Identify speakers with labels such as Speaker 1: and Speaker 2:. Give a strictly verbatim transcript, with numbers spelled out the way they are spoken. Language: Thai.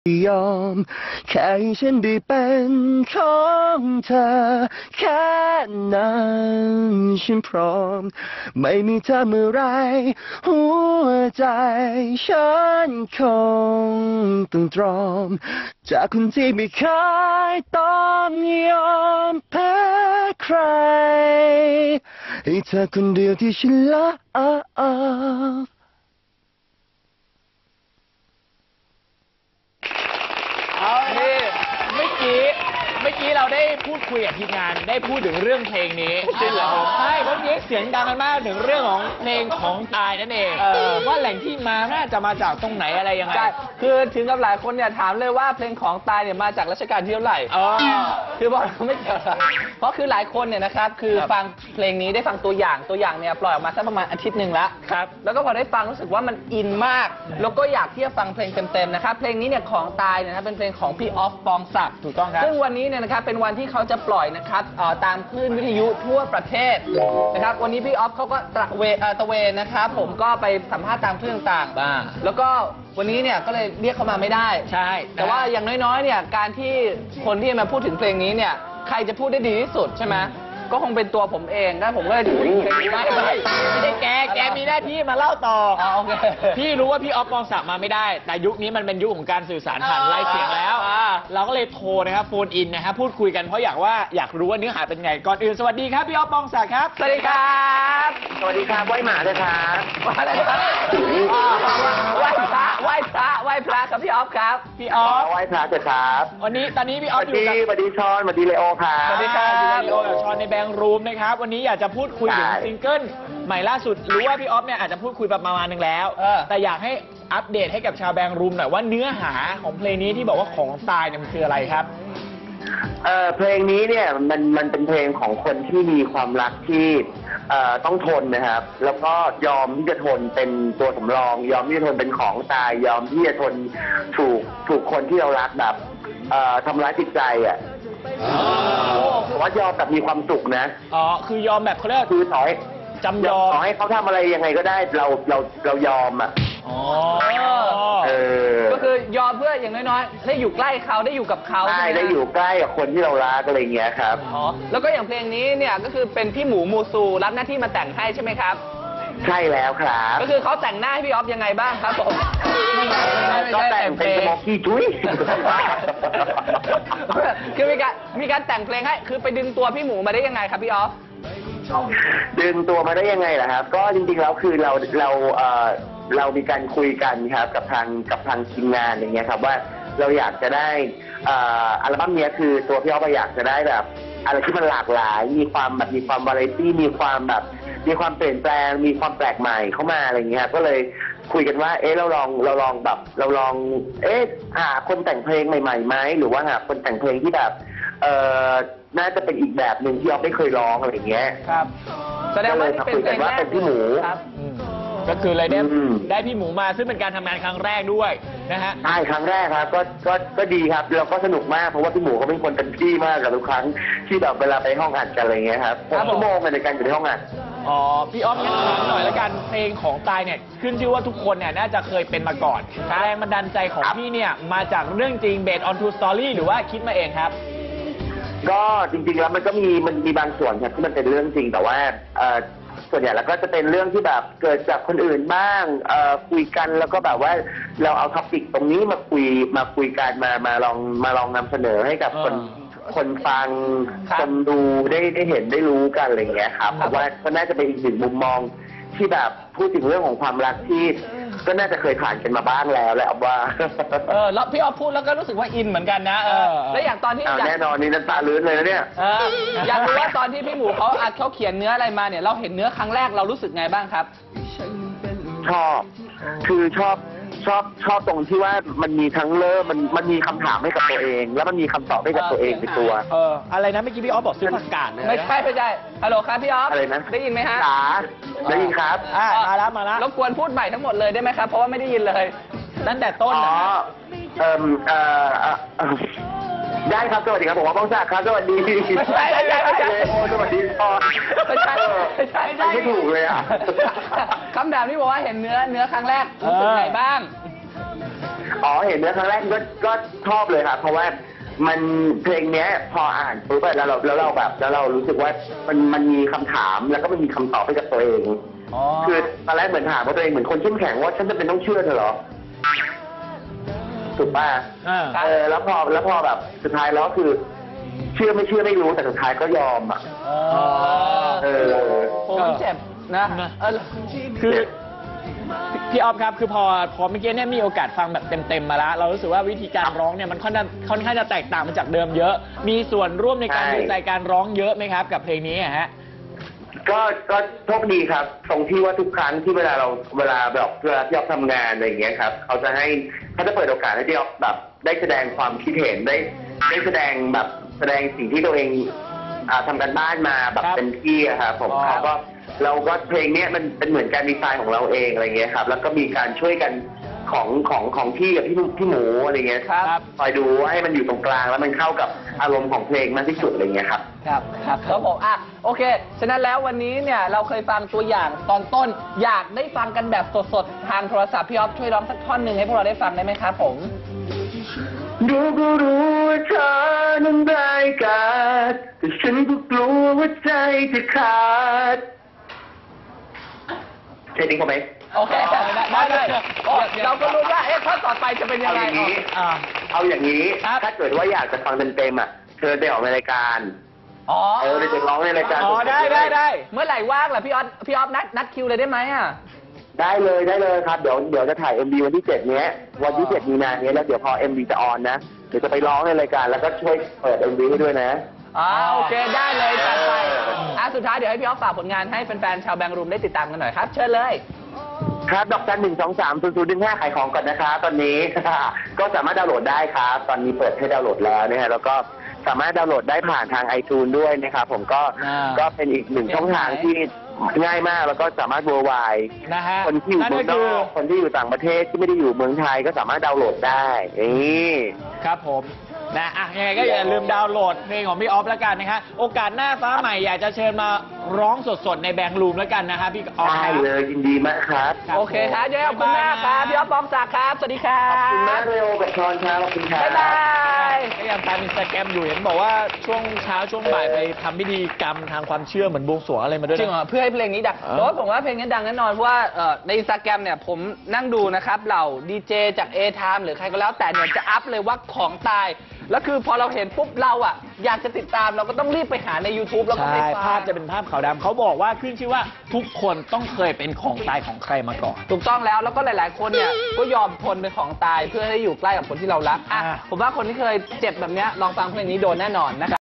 Speaker 1: ยอมแค่ให้ฉันได้เป็นของเธอแค่นั้นฉันพร้อมไม่มีเธอเมื่อไรหัวใจฉันคงต้องตรอมจากคนที่ไม่เคยต้องยอมแพ้ใครให้เธอคนเดียวที่ฉันรัก
Speaker 2: เอานี่เมื่อกี้เมื่อกี้เราได้พูดคุยกับทีมงานได้พูดถึงเรื่องเพลงนี้จริงเหรอใช่เมื่อกี้เสียงดังกันมากถึงเรื่องของเพลงของตายนั่นเองว่าแหล่งที่มาน่าจะมาจากตรงไหนอะไรยังไง
Speaker 3: ใช่คือถึงกับหลายคนเนี่ยถามเลยว่าเพลงของตายเนี่ยมาจากรัชกาลที่เท่าไหร่
Speaker 2: อ๋อ
Speaker 3: คือบอกไม่เกี่ยวหรอกเพราะคือหลายคนเนี่ยนะครับคือฟังเพลงนี้ได้ฟังตัวอย่างตัวอย่างเนี่ยปล่อยออกมาสักประมาณอาทิตย์หนึ่งแล้วครับแล้วก็พอได้ฟังรู้สึกว่ามันอินมากแล้วก็อยากที่จะฟังเพลงเต็มๆนะครับเพลงนี้เนี่ยของตายเนี่ยนะเป็นเพลงของพี่ออฟปองศักดิ์
Speaker 2: ถูกต้องครับ
Speaker 3: ซึ่งวันนี้เนี่ยนะครับเป็นวันที่เขาจะปล่อยนะครับเอ่อตามคลื่นวิทยุทั่วประเทศนะครับวันนี้พี่ออฟเขาก็ตระเวเอ่อตระเวนนะครับผมก็ไปสัมภาษณ์ตามคลื่นต่าง
Speaker 2: บ้า
Speaker 3: ๆแล้วก็วันนี้เนี่ยก็เลยเรียกเขามาไม่ได้
Speaker 2: ใช่
Speaker 3: แต่ว่าอย่างน้อยๆเนี่ยการที่คนที่มาพูดถึงเพลงนี้เนี่ยใครจะพูดได้ดีที่สุดใช่ไหมก็คงเป็นตัวผมเองนะผมก็เลยพูดถึงเพลงนี้
Speaker 2: ไม่
Speaker 3: ได้
Speaker 2: ไม่ได้แกแกมีหน้าที่มาเล่าต่อ
Speaker 3: อ๋อโอเค
Speaker 2: พี่รู้ว่าพี่ออฟปองศักดิ์มาไม่ได้ แต่ยุคนี้มันเป็นยุคของการสื่อสารผ่าน
Speaker 3: อ่า
Speaker 2: ไลฟ์เสียงแล้ว
Speaker 3: อ่า
Speaker 2: เราก็เลยโทรนะครับโฟนอินนะฮะพูดคุยกันเพราะอยากว่าอยากรู้ว่าเนื้อหาเป็นไง ก่อนอื่นสวัสดีครับพี่ออฟปองศักดิ์ครับ
Speaker 3: สวัสดีครับ
Speaker 1: สวัสดีครับไหว้หมาเลยครับ
Speaker 3: อะไรครับไหว้พระไหว้พระไหว้พระครับพี่ออฟครับ
Speaker 2: พี่ออฟ
Speaker 1: ไหว้พระเถอะครับ
Speaker 2: วันนี้ตอนนี้พี่อ
Speaker 1: ส
Speaker 2: อฟ
Speaker 1: วัส
Speaker 2: อยู่
Speaker 1: ดี
Speaker 2: กับ
Speaker 1: สวัสดีชอนสวัสดีเลโอครับ
Speaker 2: สวัสดีครับอยู่กับลีโอกับชอนในแบงค์รูมนะครับวันนี้อยากจะพูดคุยถึง
Speaker 1: ใช่
Speaker 2: ซิงเกิลใหม่ล่าสุดรู้ว่าพี่ออฟเนี่ยอาจจะพูดคุยประมาณนึงแล้ว
Speaker 3: เออ
Speaker 2: แต่อยากให้อัปเดตให้กับชาวแบงค์รูมหน่อยว่าเนื้อหาของเพลงนี้ที่บอกว่าของตายเนี่ยมันคืออะไรครับ
Speaker 1: เอ่อเพลงนี้เนี่ยมันมันเป็นเพลงของคนที่มีความรักที่เอ่อต้องทนนะครับ แล้วก็ยอมที่จะทนเป็นตัวสำรอง ยอมที่จะทนเป็นของตาย ยอมที่จะทนถูกถูกคนที่เรารักแบบเอ่อทำร้ายจิตใจอ่ะแต่ว่ายอมแบบมีความสุขนะ
Speaker 2: อ๋อคือยอมแบบเขาเรียก
Speaker 1: คือต่อให้
Speaker 2: จำยอม
Speaker 1: ต่อให้เขาทำอะไรยังไงก็ได้เราเราเรายอมอ่ะ
Speaker 2: อ๋อ
Speaker 1: เออ
Speaker 3: ก็คือยอมเพื่ออย่างน้อยๆได้อยู่ใกล้เขาได้อยู่กับเขา
Speaker 1: ได้
Speaker 3: ใช่หม
Speaker 1: ได้อยู่ใกล้กับคนที่เรารักอะไรอย่างเงี้ยครับ
Speaker 3: อ๋อแล้วก็อย่างเพลงนี้เนี่ยก็คือเป็นพี่หมูมูซูรับหน้าที่มาแต่งให้ใช่ไหมครับ
Speaker 1: ใช่แล้วครับ
Speaker 3: ก็คือเขาแต่งหน้าให้พี่ออฟยังไงบ้างครับผม
Speaker 1: ก็แต่งเป็นสโมกี้จุ้ย
Speaker 3: คือมีการมีการแต่งเพลงให้คือไปดึงตัวพี่หมูมาได้ยังไงครับพี่ออฟ
Speaker 1: ดึงตัวมาได้ยังไงล่ะครับ ก็จริงๆแล้วคือเราเราเอ่อเรามีการคุยกันครับกับทางกับทางทีมงานอย่างเงี้ยครับว่าเราอยากจะได้เอ่ออัลบั้มเนี้ยคือตัวพี่อ๊อฟอยากจะได้แบบอะไรที่มันหลากหลาย มีความแบบมีความวาไรตี้มีความแบบมีความเปลี่ยนแปลงมีความแปลกใหม่เข้ามาอะไรเงี้ยครับก็เลยคุยกันว่าเอ๊ะเราลองเราลองแบบเราลองเอ๊ะหาคนแต่งเพลงใหม่ๆไหมหรือว่าหาคนแต่งเพลงที่แบบเอ่อน่าจะเป็นอีกแบบหนึ่งที่อ๊อฟไม่เคยร้องอะไรเงี้ย
Speaker 3: ครับแสดงว่านี่เป็นเพลงแรก
Speaker 1: เป็นพี่หมู
Speaker 3: ครับ
Speaker 2: อืมก็คือเลยได้
Speaker 1: อืม
Speaker 2: ได้พี่หมูมาซึ่งเป็นการทำงานครั้งแรกด้วยนะฮะ
Speaker 1: ใช่ครั้งแรกครับก็ก็ก็ดีครับแล้วก็สนุกมากเพราะว่าพี่หมูเขาเป็นคนเต็มที่มากกับทุกครั้งที่แบบเวลาไปห้องอัดกันอะไรเงี้ยครับ
Speaker 3: ครับผม
Speaker 1: ชั่วโมงในการอยู่ในห้องอัด
Speaker 2: อ๋อพี่ออฟงั้นถามหน่อยแล้วกันเพลงของตายเนี่ยขึ้นชื่อว่าทุกคนเนี่ยน่าจะเคยเป็นมาก่อนแรงบันดาลใจของ
Speaker 1: ครับ
Speaker 2: พี่เนี่ยมาจากเรื่องจริง based on true story หรือว่าคิดมาเองครับ
Speaker 1: ก็จริงๆแล้วมันก็มีมันมีบางส่วนครับที่มันเป็นเรื่องจริงแต่ว่าเอ่อส่วนใหญ่แล้วก็จะเป็นเรื่องที่แบบเกิดจากคนอื่นบ้างเอ่อคุยกันแล้วก็แบบว่าเราเอาท็อปิกตรงนี้มาคุยมาคุยกันมามาลองมาลองนำเสนอให้กับคน
Speaker 2: อ่า
Speaker 1: คนฟัง
Speaker 3: ครับ
Speaker 1: คนดูได้ได้เห็นได้รู้กันอะไรอย่างเงี้ยครับ
Speaker 3: ค
Speaker 1: เพ
Speaker 3: รับ
Speaker 1: ราะว่าก็น่าจะเป็นอีกหนึ่งมุมมองที่แบบพูดถึงเรื่องของความรักที่ก็น่าจะเคยผ่านกันมาบ้างแล้วแหละว่า
Speaker 3: เออแล้วพี่ออฟพูดแล้วก็รู้สึกว่าอินเหมือนกันนะเออ
Speaker 2: เออ
Speaker 3: แล้วอย่างตอนที่
Speaker 1: เอา
Speaker 3: อยาก
Speaker 1: แน่นอนนี่น้ำตาลื้นเลยนะเนี่ย
Speaker 3: เอออยากรู้ว่าตอนที่พี่หมูเขาอัดเขาเขียนเนื้ออะไรมาเนี่ยเราเห็นเนื้อครั้งแรกเรารู้สึกไงบ้างครับ
Speaker 1: ชอบ คือชอบชอบชอบตรงที่ว่ามันมีทั้งเริ่มมันมันมีคำถามให้กับตัวเอง แล้วมันมีคำตอบให้กับตัวเองในตัว
Speaker 2: เอออะไรนะเมื่อกี้พี่ออฟบอกซื้อผักกาดเลยนะ
Speaker 3: ไม่ใช่ไม่ใช่ฮัลโหลครับพี่ออฟ
Speaker 1: อะไรนะ
Speaker 3: ได้ยินไหมฮะ
Speaker 1: จ๋าได้ยินครับ
Speaker 2: อ่ามาแล้วมาแล้ว
Speaker 3: รบกวนพูดใหม่ทั้งหมดเลยได้ไหมครับเพราะว่าไม่ได้ยินเลย
Speaker 2: ตั้งแต่ต้น
Speaker 1: อ๋อ
Speaker 2: นะฮะ
Speaker 1: เอ่อเอ่อเอ่อเอ่อได้ครับสวัสดีครับผมว่าบ้องศักดิ์ครับสวัสดี
Speaker 3: ไม่ใช่ไม่ใช่ไม่ใช่
Speaker 1: โอ้สวัสดีพ่อ
Speaker 3: ไม่ใช่ไม่ใช่ไม่ใช่
Speaker 1: ไม่ถูกเลยอ่ะ
Speaker 3: คำถามที่บอกว่าเห็นเนื้อเนื้อครั้งแรกรู้สึกไงบ้าง
Speaker 1: อ๋อเห็นเนื้อครั้งแรกก็ก็ชอบเลยครับเพราะว่ามันเพลงเนี้ยพออ่านปุ๊บอะแล้วเราแล้วเราแบบแล้วเรารู้สึกว่ามันมันมีคำถามแล้วก็มันมีคำตอบให้กับตัวเอง
Speaker 3: อ๋อ
Speaker 1: คือตอนแรกเหมือนถามว่าตัวเองเหมือนคนเข้มแข็งว่าฉันจะเป็นต้องเชื่อเธอเหรอถูกป่ะ
Speaker 2: อ่า
Speaker 1: เออแล้วพอแล้วพอแบบสุดท้ายแล้วคือ เชื่อไม่เชื่อไม่รู้แต่สุดท้ายก็ยอมอ่ะ
Speaker 3: อ๋อ
Speaker 1: เออ
Speaker 3: โอ้ยเจ็บนะเออ
Speaker 2: คือพี่ออฟครับคือพอพอเมื่อกี้เนี่ยมีโอกาสฟังแบบเต็มๆมาแล้ว เรารู้สึกว่าวิธีการร้องเนี่ยมันค่อนข้างค่อนข้างจะแตกต่างมาจากเดิมเยอะ มีส่วนร่วมในการ
Speaker 1: ใช่
Speaker 2: ดูใจการร้องเยอะไหมครับ กับเพลงนี้อะฮะ
Speaker 1: ก็ก็โชคดีครับตรงที่ว่าทุกครั้งที่เวลาเราเวลาแบบเวลาที่ออฟทำงานอะไรอย่างเงี้ยครับเขาจะให้เขาจะเปิดโอกาสให้ที่ออฟแบบได้แสดงความคิดเห็นได้ได้แสดงแบบแสดงสิ่งที่ตัวเองอ่าทำกันบ้านมาแบบ
Speaker 2: ครับ
Speaker 1: เต็มที่อะครับผม
Speaker 2: อ๋อ
Speaker 1: เขาก็เราก็เพลงเนี้ยมันเป็นเหมือนการดีไซน์ของเราเองอะไรเงี้ยครับแล้วก็มีการช่วยกันของของของพี่กับพี่พี่หมูอะไรเงี้ย
Speaker 3: ครับ
Speaker 1: คอยดูว่าให้มันอยู่ตรงกลางแล้วมันเข้ากับอารมณ์ของเพลงมากที่สุดอะไรเงี้ยครับ
Speaker 3: ครับครับครับผมอ่ะโอเค ฉะนั้นแล้ววันนี้เนี่ยเราเคยฟังตัวอย่างตอนต้น อยากได้ฟังกันแบบสดๆ ทางโทรศัพท์พี่ออฟช่วยร้องสักท่อนหนึ่งให้พวกเราได้ฟังได้ไหมครับผม
Speaker 1: ดูก็รู้ว่าเธอนั้นได้ายกาดแต่ฉันก็กลัวว่าใจจะขาดใช่จริงเขาไหม
Speaker 3: โอเคได้เลยโอ้เราก็รู้ว่าเอ๊ะท่อนต่อไปจะเป็นยั
Speaker 1: เอา
Speaker 3: งไง
Speaker 1: อย่างนี้
Speaker 2: อ่า
Speaker 1: เอาอย่างนี้
Speaker 2: ครับ
Speaker 1: ถ้าเกิดว่าอยากจะฟังเต็มๆอ่ะเชิญไปออกในรายการ
Speaker 3: อ๋อ
Speaker 1: เออเดี๋ยวจะร้องในรายการ
Speaker 2: อ๋อ
Speaker 1: สๆ
Speaker 2: ได้ได้ได้
Speaker 3: เมื่อไหร่ว่างล่ะพี่ออฟพี่ออฟนัดนัดคิวเลยได้ไหมอ่ะ
Speaker 1: ได้เลยได้เลยครับเดี๋ยวเดี๋ยวจะถ่าย เอ็ม วี วันที่เจ็ดเนี้ยวันที่เจ็ดมีนาเนี้ยแล้วเดี๋ยวพอ เอ็ม วี จะออนนะเดี๋ยวจะไปร้องในรายการแล้วก็ช่วยเปิด เอ็ม วี ให้ด้วยนะ
Speaker 3: อ๋อโอเคได้เลยจัดไป
Speaker 1: เออ
Speaker 3: อ่ะสุดท้ายเดี๋ยวให้พี่ออฟฝากผลงานให้แฟนๆชาวแบงค์รูมได้ติดตามกันหน่อยครับ เชิญเลย
Speaker 1: ครับดอกจันหนึ่งสองสามศูนย์ศูนย์หนึ่งห้าขายของก่อนนะครับตอนนี้ ก็สามารถดาวน์โหลดได้ครับ ตอนนี้เปิดให้ดาวน์โหลดแล้วนะฮะแล้วก็สามารถดาวน์โหลดได้ผ่านทาง ไอจูน ด้วยนะครับผมก็
Speaker 2: อ่า
Speaker 1: ก็เป็นอีกหนึ่งช่องทางที่ง่ายมากแล้วก็สามารถ worldwide
Speaker 2: นะฮะ
Speaker 1: คนที่อยู่
Speaker 2: นั่น
Speaker 1: เมื
Speaker 2: ก็
Speaker 1: องน
Speaker 2: คือ
Speaker 1: อกคนที่อยู่ต่างประเทศที่ไม่ได้อยู่เมืองไทยก็สามารถดาวน์โหลดได้นี่
Speaker 2: ครับผมนะอ่ะยังไงก็อย่าลืมดาวน์โหลดเพลงของพี่ออฟแล้วกันนะคะโอกาสหน้าฟ้าใหม่อยากจะเชิญมาร้องสดๆในแบงค์รูมแล้วกันนะคะพี่ออฟ
Speaker 1: ได้
Speaker 2: ครับ
Speaker 1: เลยยินดีมากครับ
Speaker 2: ครับ
Speaker 3: โอเคครับเดี๋ยวขอบคุณมากครับพี่ออฟปองศักดิ์ครับ สวัสดีครั
Speaker 1: ข
Speaker 3: บ
Speaker 1: อบคุณมากเลยโอกับชอนครับขอบคุณครับ
Speaker 3: บ๊ายบาย
Speaker 2: ก็ยังตามอินสตาแกรมอยู่เห็นบอกว่าช่วงเช้าช่วงบ่ายไปทำพิธีกรรมทางความเชื่อเหมือนบวงสรวงอะไรมาด้วย
Speaker 3: จริงเหร
Speaker 2: นะ
Speaker 3: อเพื่อให้เพลงนี้ดัง
Speaker 2: เออ
Speaker 3: แต่ว่าผมว่าเพลงนี้ดังแน่นอนเพราะว่าเอ่อในอินสตาแกรมเนี่ยผมนั่งดูนะครับเหล่าดีเจจาก A-Time หรือใครก็แล้วแต่เนี่ยจะอัพเลยว่าของตาย แล้วคือพอเราเห็นปุ๊บเราอ่ะอยากจะติดตามเราก็ต้องรีบไปหาใน YouTube แล้วก็ไป
Speaker 2: ใช่
Speaker 3: ฟัง
Speaker 2: ภาพจะเป็นภาพขาวดำเขาบอกว่าขึ้นชื่อว่าทุกคนต้องเคยเป็นของตายของใครมาก่อน
Speaker 3: ถูกต้องแล้วแล้วก็หลาย ๆ คนเนี่ยก็ยอมทนเป็นของตายเพื่อให้อยู่ใกล้กับคนที่เรารักอ่ะ
Speaker 2: อ่า
Speaker 3: ผมว่าคนที่เคยเจ็บแบบเนี้ยลองฟังเพลงนี้โดนแน่นอนนะครับ